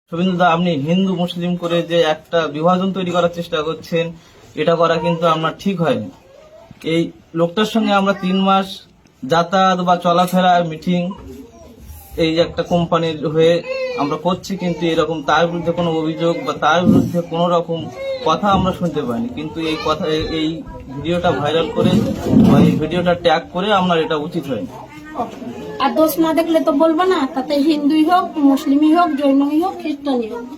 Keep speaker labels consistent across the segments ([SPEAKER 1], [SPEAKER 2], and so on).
[SPEAKER 1] শুভেন্দুদা, আপনি হিন্দু মুসলিম করে যে একটা বিভাজন তৈরি করার চেষ্টা করছেন, এটা করা কিন্তু আপনার ঠিক হয়নি। এই লোকটার সঙ্গে আমরা 3 মাস যাতায়াত বা চলাফেরা মিটিং এই যে একটা কোম্পানির হয়ে আমরা করছি, কিন্তু এরকম তার বিরুদ্ধে কোনো অভিযোগ বা তার বিরুদ্ধে কোনো রকম কথা আমরা শুনতে পাইনি। কিন্তু এই কথা, এই ভিডিওটা ভাইরাল করে বা এই ভিডিওটা ট্যাগ করে আপনার এটা উচিত হয়নি।
[SPEAKER 2] আর দোষ না দেখলে তো বলবো না, তাতে হিন্দুই হোক, মুসলিমই হোক, জৈনই হোক, খ্রিস্টানই হোক।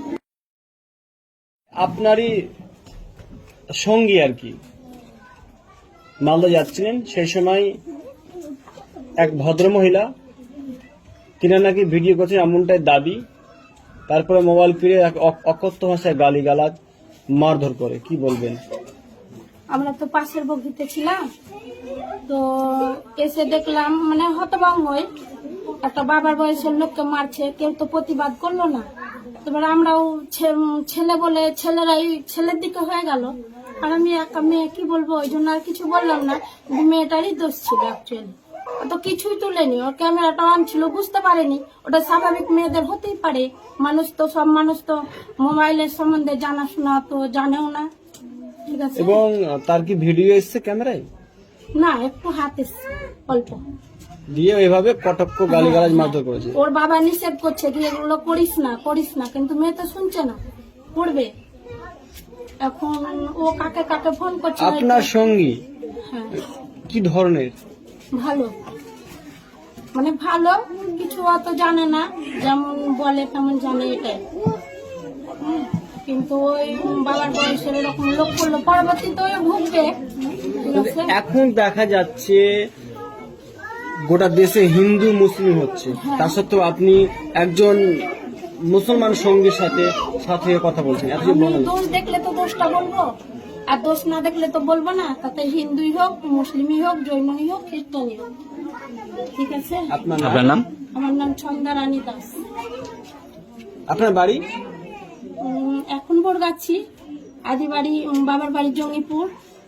[SPEAKER 3] আপনারই সঙ্গী আর কি মালদা যাচ্ছিলেন, সেই সময় এক ভদ্রমহিলা তিনি নাকি ভিডিও করছেন এমনটাই দাবি। তারপরে মোবাইল ফিরে এক অকথ্য ভাষায় গালিগালাজ মারধর করে, কি বলবেন?
[SPEAKER 2] আমরা তো পাশের বগিতে ছিলাম, তো এসে দেখলাম মানে হতভম্ব হয়ে একটা বাবার বয়সের লোককে মারছে, কেউ তো প্রতিবাদ করলো না। এবার আমরাও ছেলে বলে ছেলেরাই ছেলের দিকে হয়ে গেল, আর আমি একা মেয়ে, কি বলবো, ওই জন্য আর কিছু বললাম না। মেয়েটারই দোষ ছিল অ্যাকচুয়ালি, তো কিছুই তুলেনি, ওর ক্যামেরাটা অন ছিল, বুঝতে পারেনি। ওটা স্বাভাবিক, মেয়েদের হতেই পারে, মানুষ তো সব মানুষ তো মোবাইলের সম্বন্ধে জানাশোনা তো জানেও না, ঠিক আছে।
[SPEAKER 3] এবং তার কি ভিডিও এসছে ক্যামেরায়?
[SPEAKER 2] না, একটু হাত এসছে অল্প,
[SPEAKER 3] দিয়ে এভাবে কটক্ষ গালিগালাজ মারধর করেছে।
[SPEAKER 2] ওর বাবা নিষেধ করছে কি এগুলো করিস না করিস না, কিন্তু মেয়ে তো শুনছে না, করবে। এখন ও কাকে কাকে ফোন করছে।
[SPEAKER 3] আপনার সঙ্গী
[SPEAKER 2] হ্যাঁ,
[SPEAKER 3] কি ধরনের?
[SPEAKER 2] ভালো, মানে ভালো, কিছু অত জানে না, যেমন বলে তেমন জানে, এটাই। কিন্তু ওই বাবার বয়সের এরকম লোক করলো, পরবর্তীতে ওই ভুগবে, ঠিক আছে?
[SPEAKER 3] এখন দেখা যাচ্ছে গোটা দেশে হিন্দু মুসলিম হচ্ছে, তা সত্ত্বেও আপনি একজন মুসলমান সঙ্গীর সাথে সাথে কথা বলছেন, এত যে
[SPEAKER 2] আমি
[SPEAKER 3] বলেন।
[SPEAKER 2] দোষ দেখলে তো দোষটা বলবো, আর দোষ না দেখলে তো বলবো না। তাতে হিন্দুই হোক, মুসলিমই হোক, জৈনই হোক, খ্রিস্টানই হোক, ঠিক আছে।
[SPEAKER 3] আপনার
[SPEAKER 1] নাম?
[SPEAKER 2] আমার নাম ছন্দা রানী দাস।
[SPEAKER 3] আপনার বাড়ি?
[SPEAKER 2] এখন বরগাছি, আদি বাড়ি, বাবার বাড়ি জঙ্গিপুর।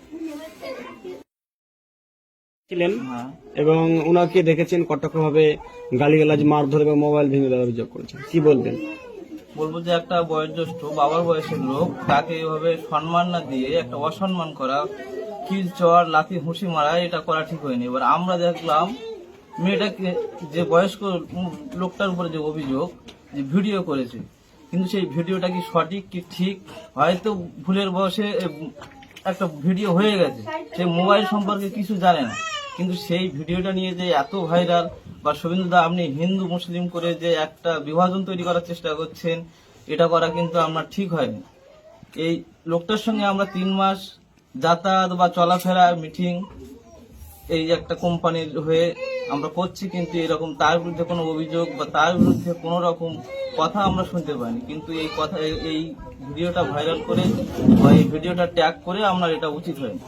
[SPEAKER 3] ছিলেন এবং উনাকে দেখেছেন কটকভাবে গালিগালাজ মারধর এবং মোবাইল ভেঙে দেওয়ার অভিযোগ করেছেন, কি বলবেন?
[SPEAKER 1] বলবো যে একটা বয়োজ্যেষ্ঠ বাবার বয়সের লোক, তাকে এইভাবে সম্মান না দিয়ে একটা অসম্মান করা, কিল চর লাথি হুঁশি মারা, এটা করা ঠিক হয়নি। এবার আমরা দেখলাম মেয়েটাকে, যে বয়স্ক লোকটার উপরে যে অভিযোগ, যে ভিডিও করেছে, কিন্তু সেই ভিডিওটা কি সঠিক কি ঠিক, হয়তো ভুলের বয়সে একটা ভিডিও হয়ে গেছে, সে মোবাইল সম্পর্কে কিছু জানে না, কিন্তু সেই ভিডিওটা নিয়ে যে এত ভাইরাল, বা শুভেন্দুদা, আপনি হিন্দু মুসলিম করে যে একটা বিভাজন তৈরি করার চেষ্টা করছেন, এটা করা কিন্তু আপনার ঠিক হয়নি। এই লোকটার সঙ্গে আমরা 3 মাস যাতায়াত বা চলাফেরা মিটিং এই যে একটা কোম্পানির হয়ে আমরা করছি, কিন্তু এরকম তার বিরুদ্ধে কোনো অভিযোগ বা তার বিরুদ্ধে কোনো রকম কথা আমরা শুনতে পাইনি। কিন্তু এই কথা, এই ভিডিওটা ভাইরাল করে বা এই ভিডিওটা ট্যাগ করে আপনার এটা উচিত হয়নি।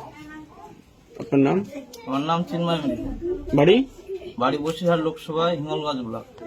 [SPEAKER 3] আপনার নাম?
[SPEAKER 1] আমার নাম চিন্ময় মিলি,
[SPEAKER 3] বাড়ি?
[SPEAKER 1] বাড়ি বসিরহাট লোকসভা, হিঙ্গলগঞ্জ ব্লক।